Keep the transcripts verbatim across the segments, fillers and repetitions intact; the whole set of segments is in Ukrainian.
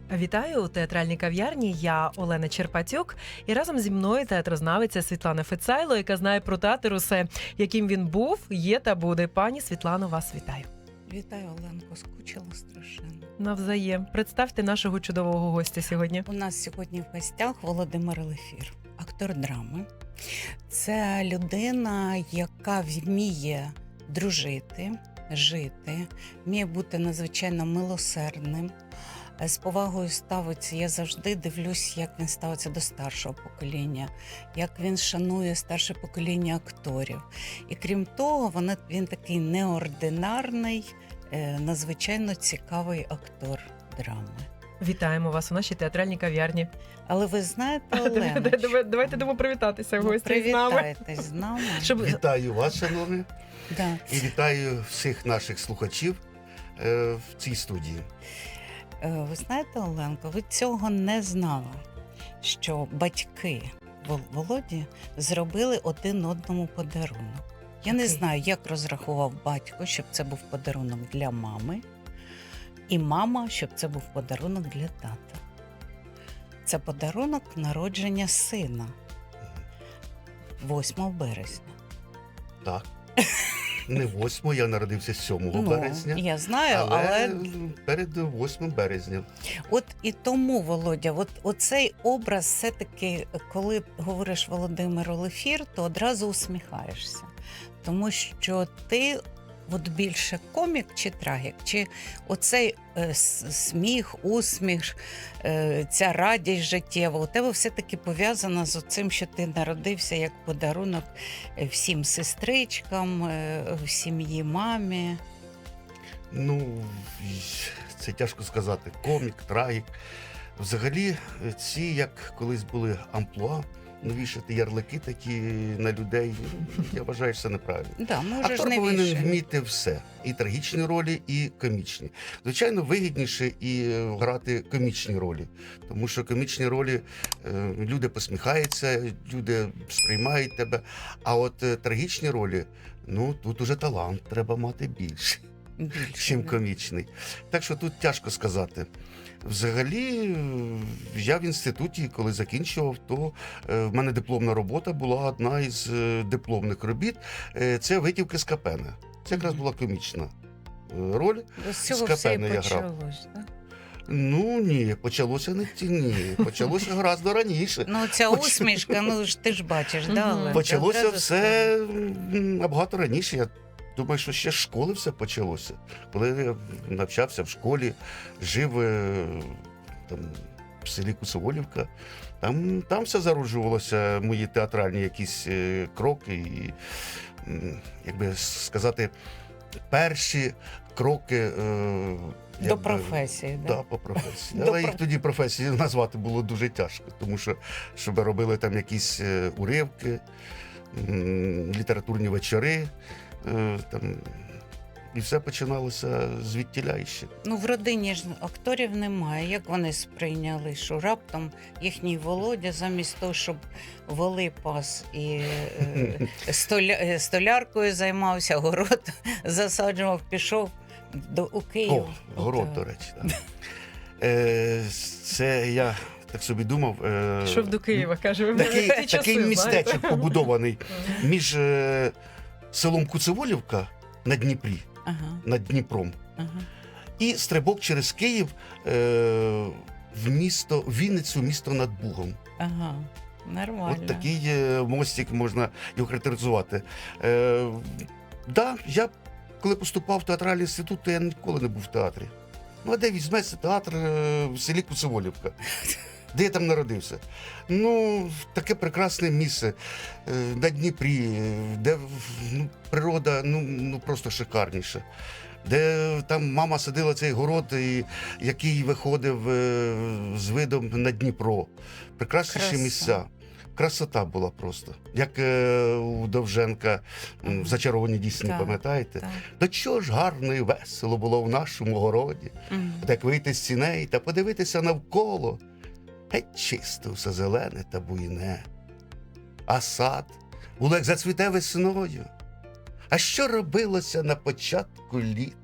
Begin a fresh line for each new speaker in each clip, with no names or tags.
Вітаю у театральній кав'ярні. Я Олена Черпатюк. І разом зі мною театрознавиця Світлана Фецайло, яка знає про театр усе, яким він був, є та буде. Пані Світлано, вас вітаю.
Вітаю, Оленко, скучила страшенно.
Навзаєм. Представте нашого чудового гостя сьогодні.
У нас сьогодні в гостях Володимир Лефір, актор драми. Це людина, яка вміє дружити, жити, вміє бути надзвичайно милосердним, з повагою ставиться. Я завжди дивлюсь, як він ставиться до старшого покоління, як він шанує старше покоління акторів. І крім того, вона, він такий неординарний, надзвичайно цікавий актор драми.
Вітаємо вас у нашій театральній кав'ярні.
Але ви знаєте, Оленочко...
Давайте дамо привітатися в
ну,
гості з нами.
Привітайтесь з нами.
Щоб...
Вітаю вас, шановні,
Да.
і вітаю всіх наших слухачів е, в цій студії.
Ви знаєте, Оленко, ви цього не знали, що батьки Володі зробили один одному подарунок. Я не
Окей.
знаю, як розрахував батько, щоб це був подарунок для мами, і мама, щоб це був подарунок для тата. Це подарунок народження сина восьмого березня.
Так. Не восьмого, я народився сьомого
Ну,
березня,
я знаю,
але,
але...
перед восьмим березня.
От і тому, Володя, от оцей образ все-таки, коли говориш Володимиру Лефір, то одразу усміхаєшся. Тому що ти от більше комік чи трагік, чи оцей е, сміх, усміх, е, ця радість життєва, у тебе все-таки пов'язана з цим, що ти народився як подарунок всім сестричкам, е, в сім'ї мамі.
Ну, це тяжко сказати. Комік, трагік. Взагалі, ці, як колись були амплуа, ну, вішати ярлики такі на людей, я вважаю, що це неправильно.
Да, можеш
Актор
не
повинен
вішати.
вміти все. І трагічні ролі, і комічні. Звичайно, вигідніше і грати комічні ролі. Тому що комічні ролі е, люди посміхаються, люди сприймають тебе. А от е, трагічні ролі, ну, тут уже талант треба мати більше,
Більше,
чим
да.
комічний. Так що тут тяжко сказати. Взагалі, я в інституті, коли закінчував, то е, в мене дипломна робота була одна із е, дипломних робіт. Е, це витівки з Капена. Це якраз була комічна е, роль.
З цього
з
все і
Капена я грав.
почалось, так?
Ну ні, почалося не ті, ні. Почалося гораздо раніше.
Ну, ця
Поч-
усмішка, ну ж ти ж бачиш, да,
Мгм.
Оленка?
Почалося
Одразу
все м, набагато раніше. Я думаю, що ще з школи все почалося. Коли я навчався в школі, жив е, там, в селі Кусоволівка, там, там все зароджувалося, мої театральні якісь е, кроки. І, м, як би сказати, перші кроки. Е,
До
якби,
професії,
Да,
да?
по професії.
До
Але їх
про-
тоді професії назвати було дуже тяжко, тому що щоб робили там якісь е, уривки, м, літературні вечори, е, там, і все починалося звідтіля іще.
Ну, в родині ж акторів немає. Як вони сприйняли, що раптом їхній Володя замість того, щоб воли пас і е, столя, е, столяркою займався, город засаджував, пішов до, у Київ.
О, город,
От,
до речі. Так. Е, це я так собі думав. Е,
Йшов до Києва, каже. ви
Такий,
знаєте, ті часи,
такий
знаєте.
містечок побудований
Мгм.
між е, селом Куцеволівка на Дніпрі,
Ага,
над Дніпром,
ага.
і стрибок через Київ е, в місто, в Вінницю, місто над Бугом.
Ага, нормально.
От такий е, мостик можна його характеризувати. Е, да, я коли поступав в театральний інститут, то я ніколи не був в театрі. Ну, а де візьметься театр е, в селі Куцеволівка? Де я там народився? Ну, таке прекрасне місце е, на Дніпрі, е, де ну, природа ну, ну, просто шикарніша. Де там мама садила цей город, і, який виходив е, з видом на Дніпро. Прекрасніші
Краса.
місця. Красота була просто. Як е, у Довженка м,
Ага.
в «Зачарованій дісні»,
Так,
пам'ятаєте?
Так.
До чого ж гарно і весело було в нашому городі.
Мгм.
Так вийти з сіней та подивитися навколо. Геть чисто все зелене та буйне. А сад було, як зацвіте весною. А що робилося на початку літа?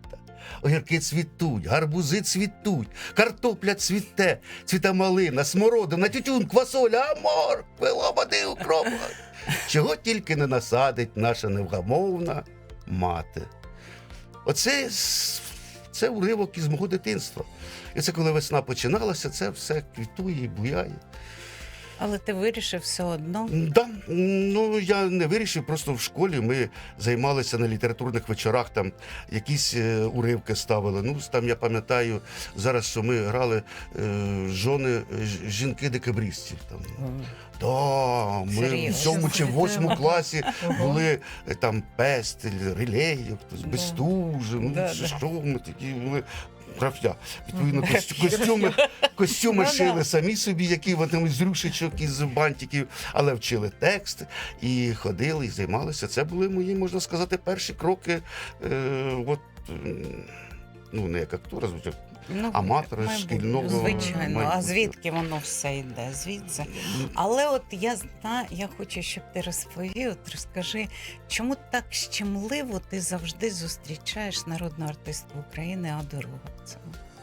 огірки цвітуть, гарбузи цвітуть, картопля цвіте, цвіта малина, смородина, тютюн, квасоля, амор, пила води, укроп. Чого тільки не насадить наша невгамовна мати. Оце с- це уривок із мого дитинства. І це коли весна починалася, це все квітує і буяє.
Але ти вирішив все одно.
Да, ну я не вирішив, просто в школі ми займалися на літературних вечорах, там якісь е, уривки ставили. Ну, там я пам'ятаю зараз, що ми грали е, жони е, ж- жінки-декабристів. Там. Да, ми в
Серйозно?
сьомому чи в восьмому класі
Ого.
були е, там Пестель, Рилеєв, хтось
Да.
Бестужев, ну
Да,
що,
да.
що ми такі були. Граф'я. Відповідно,
Мгм.
костю- костюми, костюми
Ну,
шили
да.
самі собі, які вони з рюшечок, із бантиків, але вчили текст і ходили, і займалися. Це були мої, можна сказати, перші кроки. Е, от, м, ну, не як актора, звичайно.
Ну,
Аматори
мабуть,
шкільного
Звичайно, а
майбутнього.
звідки воно все йде? Звідси. Але от я знаю, я хочу, щоб ти розповів, от розкажи, чому так щемливо ти завжди зустрічаєш народну артистку України Аду Роговцеву?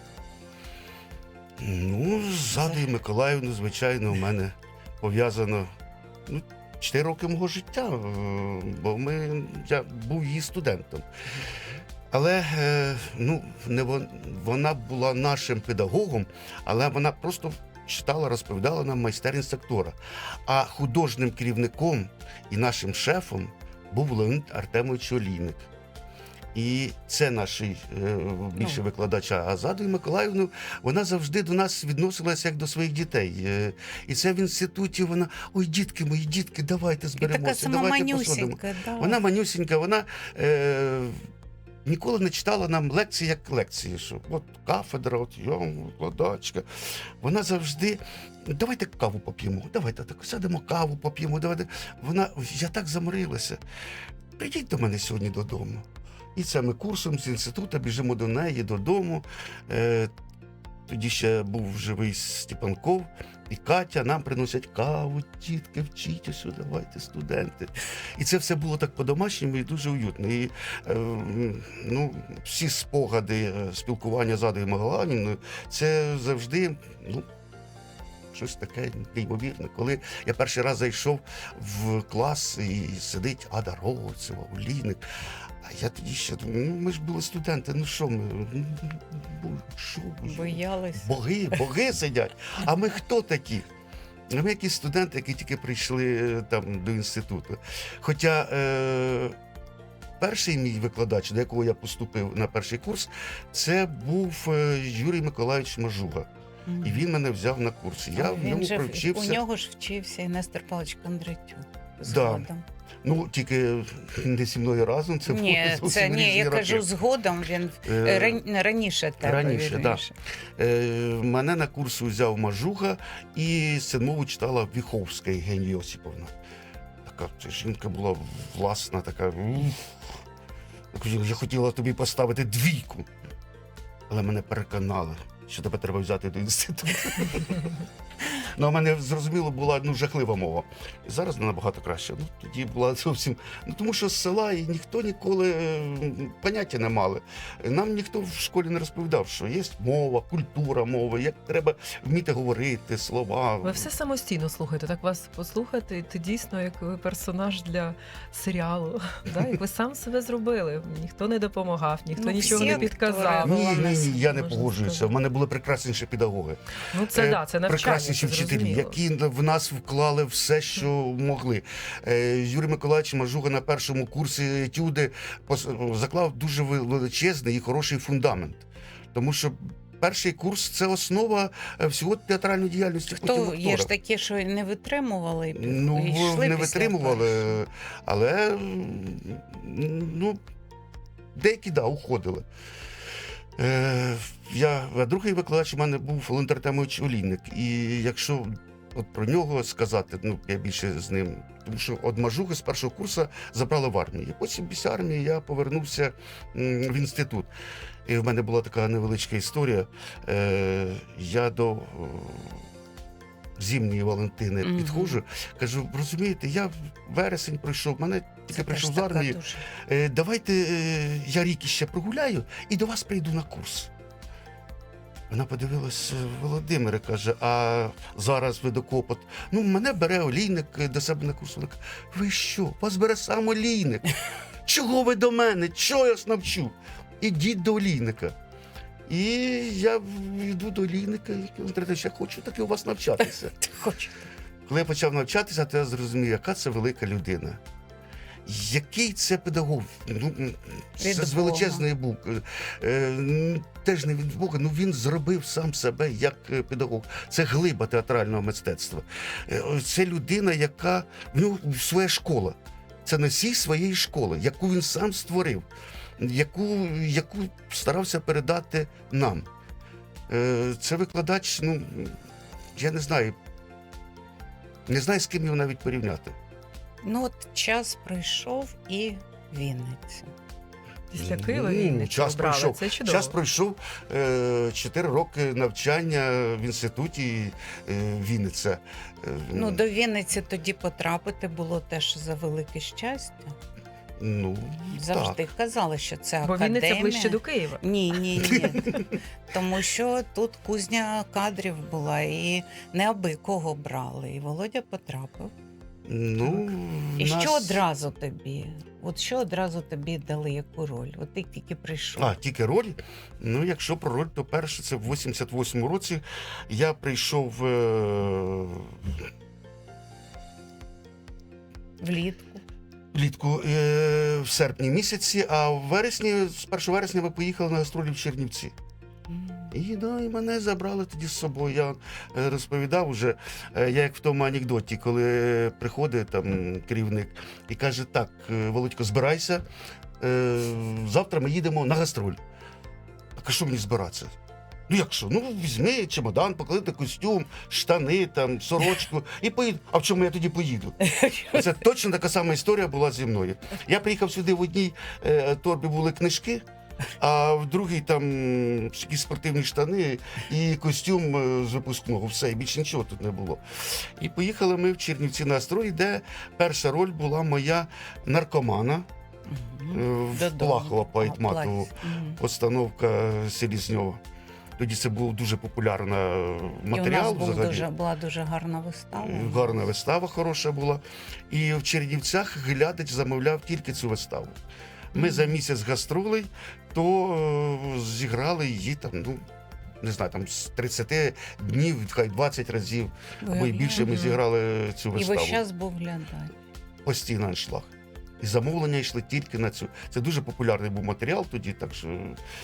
Ну, з Адою Миколаївною, звичайно, у мене пов'язано ну, чотири роки мого життя, е, бо ми, я був її студентом. Але е, ну, не вон, вона була нашим педагогом, але вона просто читала, розповідала нам майстерність актора. А художнім керівником і нашим шефом був Леонід Артемович Олійник. І це наш е, більше
Ну.
викладач. А з Адою Миколаївною вона завжди до нас відносилася як до своїх дітей. Е, І це в інституті вона, ой, дітки мої, дітки, давайте
І така
зберемося,
сама
давайте посадимо.
манюсінька. Да.
Вона манюсінька, вона е, ніколи не читала нам лекції як лекції, що от кафедра, от я викладачка. Вона завжди, давайте каву поп'ємо, давайте так сядемо каву поп'ємо, давайте. Вона, я так заморилася. Прийдіть до мене сьогодні додому. І це ми курсом з інституту біжимо до неї додому. Е, тоді ще був живий Степанков і Катя. Нам приносять каву, тітки, вчіть, ось, давайте, студенти. І це все було так по-домашньому і дуже уютно. І е, ну, всі спогади е, спілкування з Адою Миколаївною, це завжди ну, щось таке неймовірне. Коли я перший раз зайшов в клас і сидить Ада Роговцева, Олійник, а я тоді ще думаю, ну ми ж були студенти, ну що ми, ну, бо- що ви?
Боялись.
Боги, боги сидять. А ми хто такі? А ми якісь студенти, які тільки прийшли е, там до інституту. Хоча е, перший мій викладач, до якого я поступив на перший курс, це був е, Юрій Миколайович Мажуга. І він мене взяв на курс. Я
А
в
він
ньому
же в-
провчився.
У нього ж вчився і Нестор Павлович Кондратюк.
Да.
Згодом.
Ну, тільки не зі мною разом. Це
Ні,
було зовсім
це ні,
різні
я
роки.
кажу, згодом він
Е,
ран- раніше тебе.
раніше, да.
вірніше.
Е, мене на курс взяв Мажуга, і сценмову читала Віховська Євгенія Йосиповна. Така ця жінка була власна, така. ух. Я хотіла тобі поставити двійку, але мене переконали, що тебе треба взяти до інституту. Ну, а в мене, зрозуміло, була ну, жахлива мова. І зараз не набагато краще. Ну, тоді була зовсім. Ну, тому що з села і ніхто ніколи е, поняття не мали. Нам ніхто в школі не розповідав, що є мова, культура мови, як треба вміти говорити, слова.
Ви все самостійно слухаєте. Так вас послухати, і ти дійсно як ви персонаж для серіалу. Да? Як ви сам себе зробили. Ніхто не допомагав, ніхто
Ну,
нічого
всі
не
актори
підказав.
були.
Ні, ні, ні, я не
Можна
погоджуюся.
сказати.
В мене були прекрасніші педагоги.
Ну це
Е,
да, це навчання.
Прекрасніші
це
вчителі,
зрозуміло.
які в нас вклали все, що могли. Е, Юрій Миколаївич Мажуга на першому курсі етюди пос- заклав дуже величезний і хороший фундамент. Тому що перший курс це основа е, всього театральної діяльності. потім
Хто є ж
актора.
такі, що не витримували і
Ну,
і йшли
не
після
витримували,
першого?
але м, ну, деякі, да, уходили. Е, я, а другий викладач у мене був Леонід Артемович Олійник. І якщо от про нього сказати, ну, я більше з ним, тому що от Мажуги з першого курсу забрали в армію. І потім після армії я повернувся м, в інститут. І в мене була така невеличка історія. Е, я до е, Зимньої Валентини
Мгм.
підходжу, кажу, розумієте, я вересень пройшов, мене тільки
Це
прийшов
теж
з
така
армії.
дуже-
Е, давайте е, я рік іще прогуляю і до вас прийду на курс. Вона подивилась, Володимире, каже, а зараз ви до копот. Ну, мене бере олійник до себе на курс. Вона каже, ви що, вас бере сам олійник? Чого ви до мене? Чого я вас навчу? Ідіть до олійника. І я йду до олійника, і він каже, я хочу таки у вас навчатися.
Хочу.
Коли я почав навчатися, то я зрозумів, яка це велика людина. Який це педагог? Ну, це
Від
з
Бога.
величезної букви. Е, теж не від Бога, ну він зробив сам себе як е, педагог. Це глиба театрального мистецтва. Е, це людина, яка в нього своя школа. Це носій своєї школи, яку він сам створив, яку, яку старався передати нам. Е, це викладач, ну, я не знаю, не знаю, з ким його навіть порівняти.
Ну от час пройшов і Вінниця.
Після Києва
Ну,
Вінницю
час
обрали.
пройшов.
Це чудово.
Час пройшов е, чотири роки навчання в інституті е, Вінниця. Е,
Ну, до Вінниці тоді потрапити було теж за велике щастя.
ну,
Завжди
так.
казали, що це
Бо
академія.
Вінниця ближче до Києва.
Ні, ні, ні. Тому що тут кузня кадрів була, і не аби кого брали. І Володя потрапив.
Ну,
І
нас-
що одразу тобі? От що одразу тобі дали яку роль? От ти тільки прийшов.
А, тільки роль. Ну, якщо про роль, то перше, це в вісімдесят восьмому році я прийшов е,
Влітку.
влітку е, в серпні місяці, а в вересні, з першого вересня ми поїхали на гастролі в Чернівці.
М.
І, да, і мене забрали тоді з собою. Я е, розповідав уже, е, я як в тому анекдоті, коли приходить там керівник і каже: так, е, Володько, збирайся, е, завтра ми їдемо на гастроль. Так, а що мені збиратися? Ну як що? Ну візьми чемодан, поклади костюм, штани, там, сорочку і поїду. А в чому я тоді поїду? Це точно така сама історія була зі мною. Я приїхав сюди, в одній е, торбі були книжки, а в другій там якісь спортивні штани і костюм е, з випускного. Все, і більше нічого тут не було. І поїхали ми в Чернівці на гастролі, де перша роль була моя наркомана.
Мгм.
Е, в
Додому.
Плахова по
А,
Айтматову.
Плаць. Мгм.
Постановка Селізньова. Тоді це був дуже популярний матеріал.
І у нас був
взагалі.
дуже, була дуже гарна вистава.
Гарна вистава хороша була. І в Чернівцях глядач замовляв тільки цю виставу. Ми
Мгм.
за місяць гастролей, то е, зіграли її там, ну, не знаю, там з тридцяти днів, хай двадцять разів, або й більше ми
Мгм.
зіграли цю
І
виставу.
весь час був глядач.
Постійно аншлаг. І замовлення йшли тільки на цю. Це дуже популярний був матеріал тоді, так що.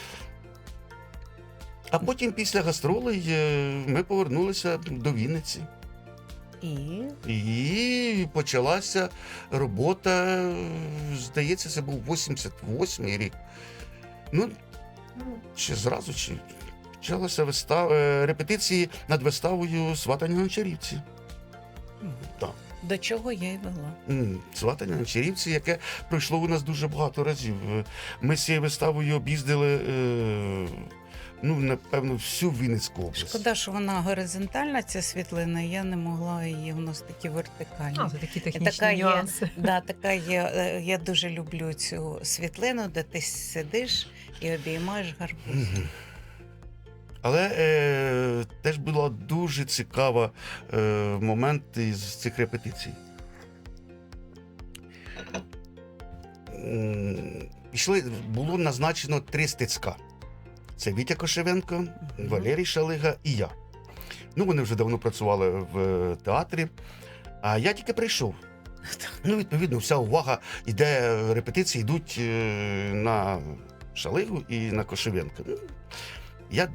А потім після гастролей е, ми повернулися до Вінниці.
І
І почалася робота, е, здається, це був вісімдесят восьмий рік. Ну, чи зразу, чи почалася вистава, е, репетиції над виставою «Сватання на Чарівці».
м,
Так.
до чого я й вела.
М, «Сватання на Чарівці», яке пройшло у нас дуже багато разів. Е, Ми з цією виставою об'їздили, е, ну, напевно, всю Вінницьку область.
Шкода, що вона горизонтальна, ця світлина, я не могла її, у нас такі вертикальні.
А, це такі технічні
Така є.
нюанси.
Да, така є. е, Я дуже люблю цю світлину, де ти сидиш і обіймаєш гарбуз.
Мгм. Але е, теж була дуже цікава е, момент із цих репетицій. М, Пішли, було назначено три стицька. Це Вітя Кошевенко, Валерій Шалига і я. Ну, вони вже давно працювали в театрі, а я тільки прийшов. Ну, відповідно, вся увага йде, репетиції йдуть е, на Шалигу і на Кошевенка. Ну, я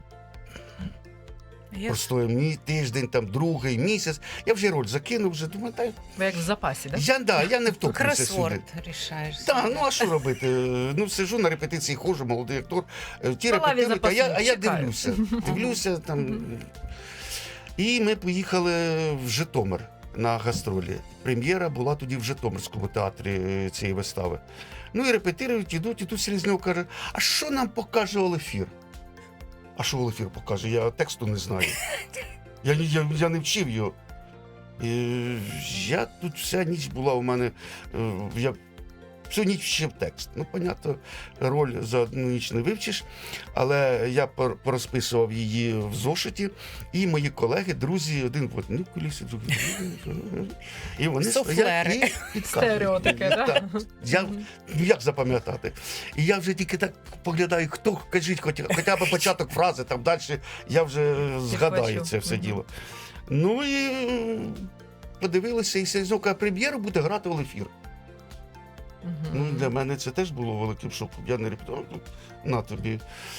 Я
просто мій тиждень, там другий місяць. Я вже роль закинув, вже думаю, та
Ви як в запасі, так?
я, да, я не втоплюся сюди.
кросворд рішаєш.
Так, ну а що робити? Ну, сижу на репетиції, ходжу, молодий актор. е, Ті
На лаві
репетирують, а я, а я
запасних, чекаю.
дивлюся. Дивлюся там.
Мгм.
І ми поїхали в Житомир на гастролі. Прем'єра була тоді в Житомирському театрі е, цієї вистави. Ну і репетирують, ідуть, і тут Селізньов каже: а що нам покаже Олефір? А що Олефір покаже? Я тексту не знаю. Я, я, я не вчив його. І я тут вся ніч була у мене. е, Я всю ніч вчив текст. Ну, понятно, роль за одну ніч не вивчиш, але я пор- порозписував її в зошиті, і мої колеги, друзі, один в одній кулісі, другий. І вони
Суфлери.
стоять і підказують.
Стереотипи,
мені.
да?
Так. Я,
Мгм.
ну як запам'ятати? І я вже тільки так поглядаю, хто, кажіть, хоч, хоча б початок фрази, там далі я вже згадаю це все
Мгм.
діло. Ну і м, подивилися, і Селезньов прем'єру буде грати Олефір.
Мгм.
Ну, для мене це теж було великим шоком. Я не репетував, ну, на тобі.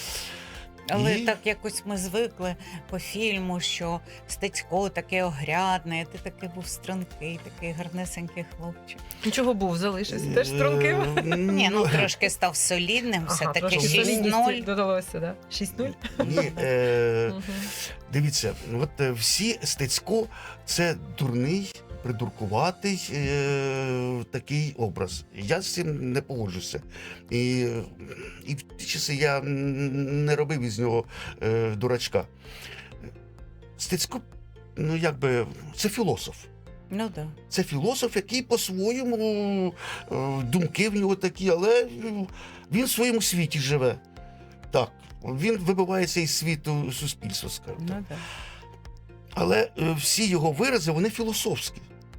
Але
І-
так якось ми звикли по фільму, що Стецько такий огрядний, а ти такий був стрункий, такий гарнесенький хлопчик.
Нічого був, залишився. Теж струнким.
Е,
Ні, ну трошки став солідним, все таки
трошки
шість
шість
солідності
ноль.
додалося, да? шість нуль?
Ні, е,
Мгм.
дивіться, от е, всі Стецько це дурний, придуркуватий е, такий образ. Я з цим не погоджуся. І, і в ті часи я м, не робив із нього е, дурачка. Стецько, ну якби, це філософ.
Ну да.
Це філософ, який по-своєму е, думки в нього такі, але е, він в своєму світі живе. Так, він вибивається із світу суспільства, скажімо так.
Ну да.
Але е, всі його вирази, вони філософські.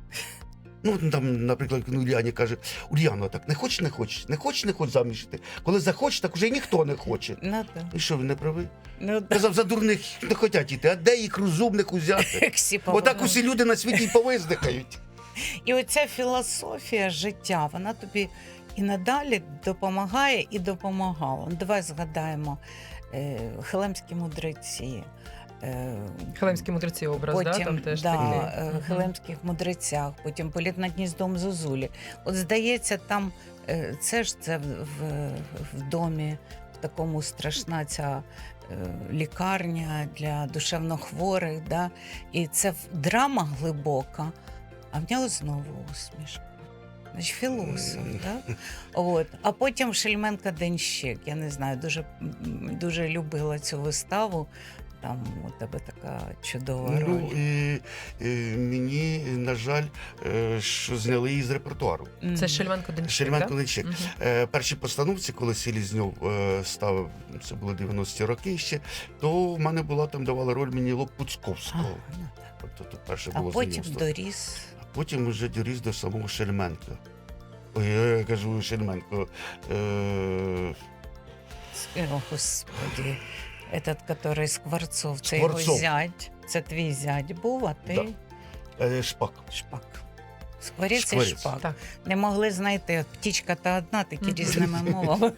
Ну, там, наприклад, ну, Ульяні каже: Ульяно, так не хочеш, не хочеш, не хочеш, не хочеш заміж йти. Коли захочеш, так уже ніхто не хоче.
Ну да.
І що, він не правий?
Ну да.
Казав, за дурних не хочуть йти, а де їх розумних узяти?
Як всі
Отак
повинні.
усі люди на світі й повиздихають.
І оця філософія життя, вона тобі і надалі допомагає і допомагала. Ну, давай згадаємо е, хелемські мудреці. Е,
Хелемські мудреці образ, да?
потім
Там теж
да,
такий.
е,
Мгм.
хелемських мудрецях, потім політ над гніздом Зозулі. От здається, там е, це ж це в, в, в домі, в такому страшна ця е, лікарня для душевнохворих. Да? І це в- драма глибока, а в нього знову усмішка. Значить, філософ,
Мгм.
так? От. А потім Шельменка Денщик. Я не знаю, дуже, м, дуже любила цю виставу. Там у тебе така чудова
Ну,
роль.
і, і мені, на жаль, е, що зняли її з репертуару.
Мгм.
Це Шельменко Денщик,
Шельменко
да?
Денщик.
Мгм.
Е, перші постановці, коли Селезньов е, ставив, це були дев'яності роки ще, то в мене була там давала роль мені
А,
Лопуцьковського.
ну так.
Тобто то перше
А
було
потім
знайомство.
доріс.
А потім вже доріс до самого Шельменка. Ой, я кажу Шельменко. Е,
О, Господи. Этот, который Скворцов, це
Скворцов.
його зять. Це твій зять був, а ти
Да. е, Шпак.
шпак. Скворець і
Скворець.
шпак.
Так.
Не могли знайти. От птічка та одна, такі
Мгм.
різними мовами.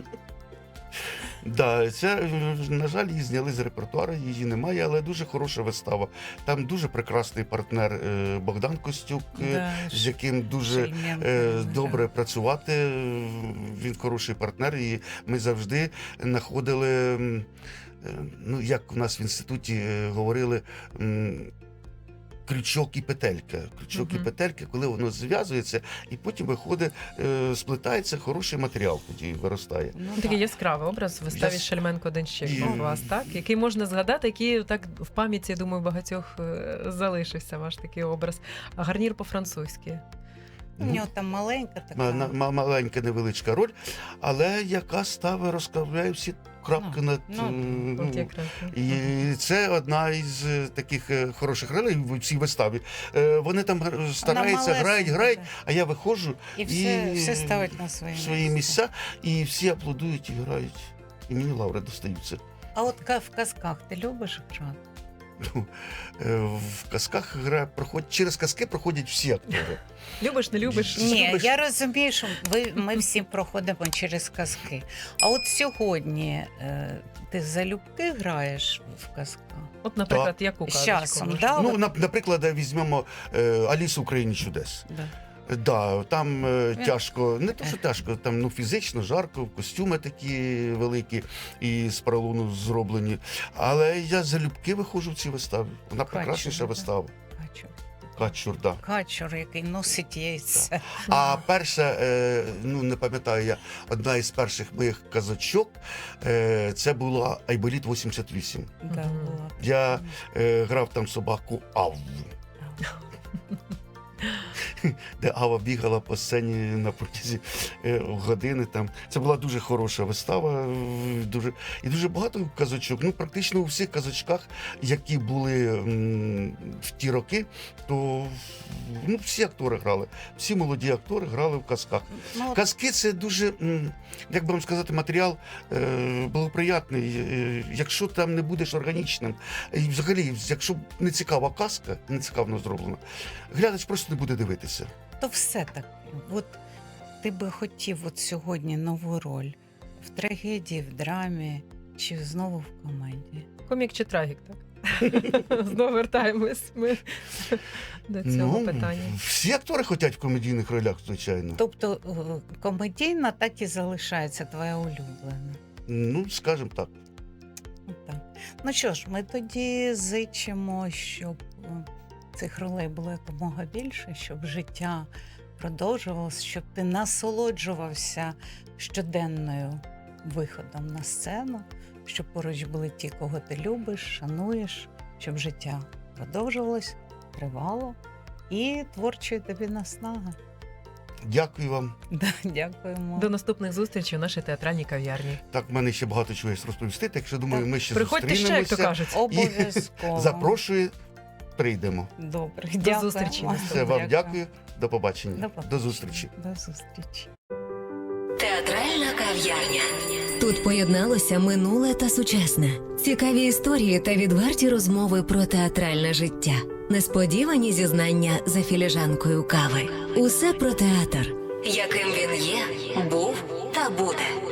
Да, це, е, на жаль, її зняли з репертуару, її немає, але дуже хороша вистава. Там дуже прекрасний партнер е, Богдан Костюк, е,
Да,
з яким дуже
Шельменко,
е,
да.
добре працювати. Він хороший партнер, і ми завжди знаходили, м, е, ну як у нас в інституті е, говорили, м, крючок і петелька. Крючок і
Мгм.
петелька, коли воно зв'язується, і потім виходить, е, сплетається хороший матеріал, тоді виростає.
Ну,
Такий
да.
яскравий образ в виставі
Яс-
Шельменко Денщик
І-
у вас, так? Який можна згадати, який так в пам'яті, я думаю, багатьох е, залишився ваш такий образ. А гарнір по-французьки.
У нього там маленька така.
Ма- на- ма- Маленька невеличка роль, але яка ставить, розкриває всі крапки
Ну,
над.
ну,
е,
От
ну,
якраз.
І це одна із е, таких е, хороших ролей в цій виставі. Е, Вони там гра- стараються, грають,
малесенька,
грають,
да.
а я виходжу
І все,
і-
все ставить на свої,
в свої місця, і всі аплодують і грають. І мені лаври достаються.
А от ка- в казках ти любиш грати?
Ну, е, В казках гра проходить, через казки проходять всі актори.
Любиш, не любиш?
Ти
Ні,
любиш?
я розумію, що ви, ми всі проходимо через казки. А от сьогодні е, ти залюбки граєш в казках?
От, наприклад, яку
З
казочку?
часом,
може?
да?
Ну, на- наприклад, візьмемо е, Алісу в країні чудес.
Да.
Да, там е,
Він-
тяжко, не то, що тяжко, там ну, фізично, жарко, костюми такі великі і з поролону зроблені. Але я залюбки виходжу в ці вистави. Вона
Качур,
прекрасніша
да?
вистава.
Качур.
Качур, да.
Качур, який носить яйце.
А перша, е, ну не пам'ятаю я, одна із перших моїх казочок, е, це була Айболіт вісімдесят вісім.
Да,
Мгм.
була.
Я е, грав там собаку Авву. де Ава бігала по сцені на протязі е, години. Там. Це була дуже хороша вистава, е, дуже, і дуже багато казочок. Ну, практично у всіх казочках, які були м, в ті роки, то ну, всі актори грали, всі молоді актори грали в казках.
Ну,
Казки це дуже, м, як би вам сказати, матеріал е, благоприятний. Е, якщо там не будеш органічним, і взагалі, якщо не цікава казка, не цікаво зроблена, глядач просто не буде дивитися.
то все таки, от ти би хотів от сьогодні нову роль в трагедії, в драмі чи знову в комедії?
Комік чи трагік, так? Знову вертаємось ми до цього
Ну,
питання.
всі актори хочуть в комедійних ролях, звичайно.
Тобто е, комедійна так і залишається твоя улюблена.
Ну, скажімо так.
Так. Ну що ж, ми тоді зичимо, щоб е, цих ролей було якомога більше, щоб життя продовжувалося, щоб ти насолоджувався щоденною виходом на сцену, щоб поруч були ті, кого ти любиш, шануєш, щоб життя продовжувалось, тривало і творчої тобі наснаги.
Дякую вам.
Да, дякуємо.
До наступних зустрічей у нашій театральній кав'ярні.
Так, в мене ще багато чого є розповісти, так що, думаю, ми ще
Приходьте ще, як то
зустрінемося.
кажуть.
Обов'язково.
Запрошую, прийдемо.
Добре,
До
дякуємо.
зустрічі.
Все, вам дякую. До побачення.
До побачення.
До зустрічі.
До зустрічі.
Театральна кав'ярня. Тут поєдналося минуле та сучасне. Цікаві історії та відверті розмови про театральне життя. Несподівані зізнання за філіжанкою кави. Усе про театр, яким він є, був та буде.